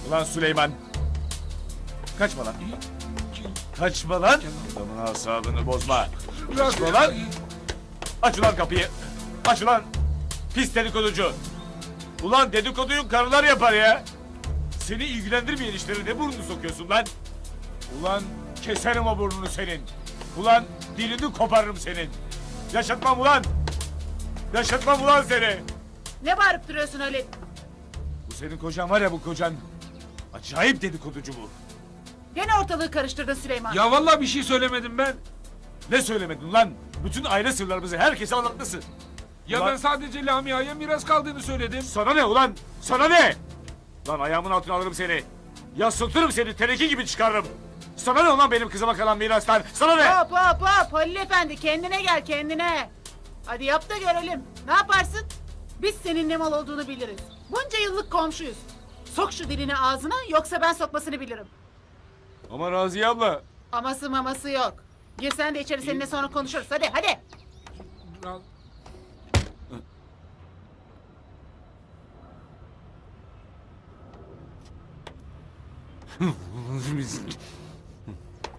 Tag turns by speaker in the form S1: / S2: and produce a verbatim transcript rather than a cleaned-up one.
S1: Ulan Süleyman. Kaçma lan. Kaçma lan. Adamın asabını bozma. Kaçma lan. Aç ulan kapıyı. Aç ulan. Pis dedikoducu. Ulan dedikoduyu karılar yapar ya. Seni ilgilendirmeyen işlere ne burnunu sokuyorsun lan? Ulan keserim o burnunu senin. Ulan dilini koparırım senin. Yaşatmam ulan. Yaşatmam ulan seni.
S2: Ne bağırıp duruyorsun öyle?
S1: Bu senin kocan var ya, bu kocan. Acayip dedikoducu bu.
S2: Gene ortalığı karıştırdın Süleyman.
S3: Ya vallahi bir şey söylemedim ben.
S1: Ne söylemedin lan? Bütün aile sırlarımızı herkese anlatmışsın.
S3: Ya
S1: Ulan-
S3: ben sadece Lamia'ya miras kaldığını söyledim.
S1: Sana ne ulan? Sana ne? Lan ayağımın altına alırım seni. Yasıltırım seni, teneke gibi çıkarırım. Sana ne ulan benim kızıma kalan mirastan? Sana ne?
S2: Hop hop hop Halil Efendi, kendine gel kendine. Hadi yap da görelim. Ne yaparsın? Biz senin ne mal olduğunu biliriz. Bunca yıllık komşuyuz. Sok şu dilini ağzına, yoksa ben sokmasını bilirim.
S1: Ama Raziye abla.
S2: Aması maması yok. Gir sen de içeri, seninle sonra konuşuruz. Hadi hadi.